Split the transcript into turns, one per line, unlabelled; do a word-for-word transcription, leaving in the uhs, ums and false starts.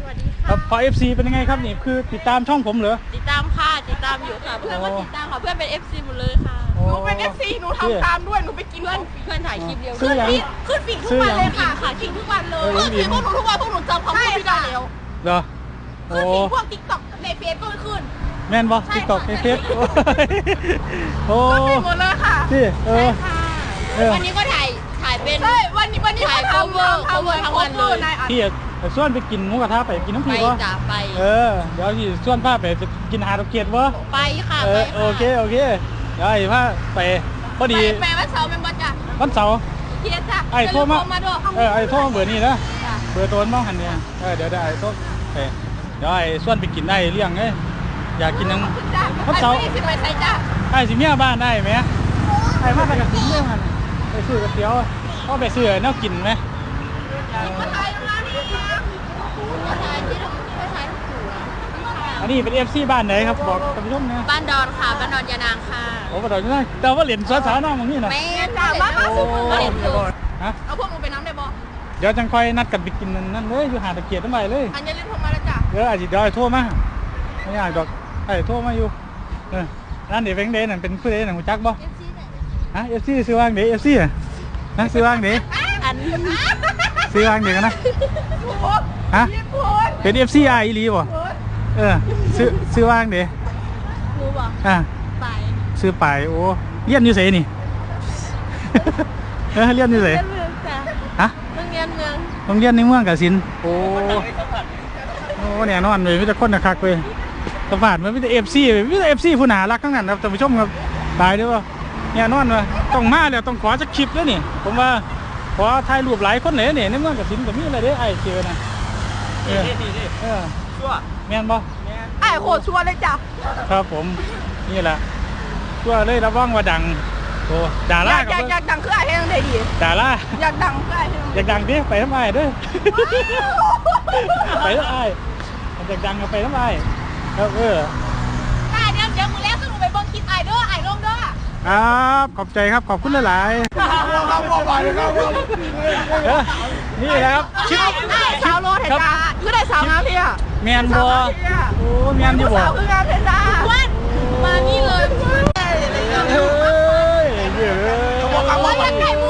วัสดีค่ะ
ครับพอ เอฟ ซี เป็นยังไงครับนี่คือติดตามช่องผมเหรอ
ติดตามค่ะติดตามอยู่ค่ะเพื่อนก็ติดตามค่ะเพื่อนเป็น เอฟ ซี หมดเลยค่ะ
หนูเป็น เอฟ ซี หนูทำตามด้วยหนูไปกิน
เพื่อนเพื่อนถ่ายคลิปเดียว
ซื้อยัง
ขึ้นฟีดทุกวันเลยค่ะขึ้นฟีดทุกวันเลยขึ้นฟีดพวกหนูทุกวันพวกหนูจำคำพูดไม่ได้แล้ว
เหรอโอ้
ขึ้นฟีดพวกติ๊กต็อกในเฟซก็ขึ้น
แม่นบอติ๊กต็อกในเฟซโอ้
ขึ้นฟีดหมดเลยค่ะ
ที่เออ
วันนี้ก็ถ่ายถ่ายเป็น
ใช่วันนี้วันนี้
ถ่าย
ทำ
cover
ทำ
cover ทั้งวันเลย
พี่ส่วนไปกินหมูกระทะไปกินน้ำ
ไป
พริกวะ
จ้ะไป
เออเดี๋ยวที่ส่วนพาไปจะกินหาดอกเกียดวะ
ไปค่ะ
เอ
ไป
อโอเคโอเคเดี๋ยวไอ้พาไปพอดี
แม่วันเสาร์เป็นวันจ้ะ
วันเสาร์
เทียจ้ะ
ไอ้โทรมา
มาด้วย
เออไอ้โทรมาเบอร์นี้นะเบอร์ตัวน้องหันเนี่ยเออเดี๋ยวได้ไอ้โทรไปเดี๋ยวไอ้ส่วนไปกินได้เลี้ยงไงอยากกินนัง
จ้ะ
วันเสาร์
ไอ้สิไปใส่จ้ะ
ไอ้สิเมียบ้านได้ไหมไอ้มาไปกับสิเมียมันไปซื้อก๋วยเตี๋ยวก็ไปซื้อแนวกินไหม
มาถ่ายร้านนี้ค่ะ
ถ่ายที่เราไม่ถ่ายทั้งคู่อะ
อันนี้เป็น เอฟ ซี บ้านไหนครับบอกท่านผู้ชมนะ
บ้านดอนค่ะบ้านดอนยานางค่ะ
โอ้บ้านดอนนี่แต่ว่าเหรียญสวนสาน้องตรงนี้นะ
แม่
จ้ะมามาสุก
มาเรียนถูก
ฮะ
เอาพวกหนูไปน้ำได้บ่
เดี๋ยวจังค่อยนัดกันไปกินนั่นเลยอยู่หาดตะเกียบตั้งไปเลย
อันนี้เล่นโทรมาแล้วจ้ะ
เดี๋ยวอาจจะเดี๋ยวไอ้โทรมาไม่อยากดอกไอ้โทรมาอยู่เออนั่นเดี๋ยวแบงค์เดนนั่นเป็นผู้ใดนั่นหูจักบ่ฮะ เอฟ ซี ซื้อวางเดี๋ยว เอฟ ซี อ่ะนะซื้อวางเดี๋ยว
อัน
ซื้อวางเดี๋ยวกันนะ ฮะ
พี่พูด
เป็น เอฟ ซี อีหลีบ่เออซื้อซื้อวางเดี๋ยว
ครูบอก
อ่ะ
ไป
ซื้อไปโอ้เรียนอยู่ไสนี่ เออเรียนอยู่ไส
เรียนเมืองจ้ะ
ฮะ
โรงเรียนเมือง
โรงเรียนในเมืองกสินโอ้โอ้เนี่ยนอนเลยมีแต่คนคักเลยสวัสดิ์มันมีแต่ เอฟ ซี มีแต่ เอฟ ซี ผู้น่ารักทั้งนั้นครับท่านผู้ชมครับตายด้วยว่าเนี่ยนอนว่าต้องมาแล้วต้องขอสักคลิปด้วยนี่ผมว่าขอถ่ายรูปหลายคนเลยเนี่ยในเมืองกสินก็มีอะไรเด้ไอ้เจอนะเออเออชั่วแม่นบ่
ไอ้โคตรชัวร์เลยจ้ะ
ครับผมนี่แหละชั่วเลยระวังว่าดังโอ้ดา
อ
รา
ยาก
กั
อยากอยากดังคือไอ้เฮงได้ดี
ดารา
อยากดังคือไอ้เฮง
อยากดังดิไปทำไมเด้อ ไปทำไมอยากดังก็ไปทำไมครับเออ
ไอ้เดี๋ยวเดี๋ยวมึงแล้วสนุกไปเบิ่งคลิปไอ้เด้อไอ้ลงเด้อ
ครับขอบใจครับขอบคุณหลายๆเออนี่แหละครับชิป
ไอ้สาวโลเทกาคือได้สาวงามเพีย
แมนบัวโอ้แมนอยู่บ่
สาวคืองามเพชรจ้าวัน
มานี่เลย
เฮ้ยเยอะ
บอกว่าอยากได้มู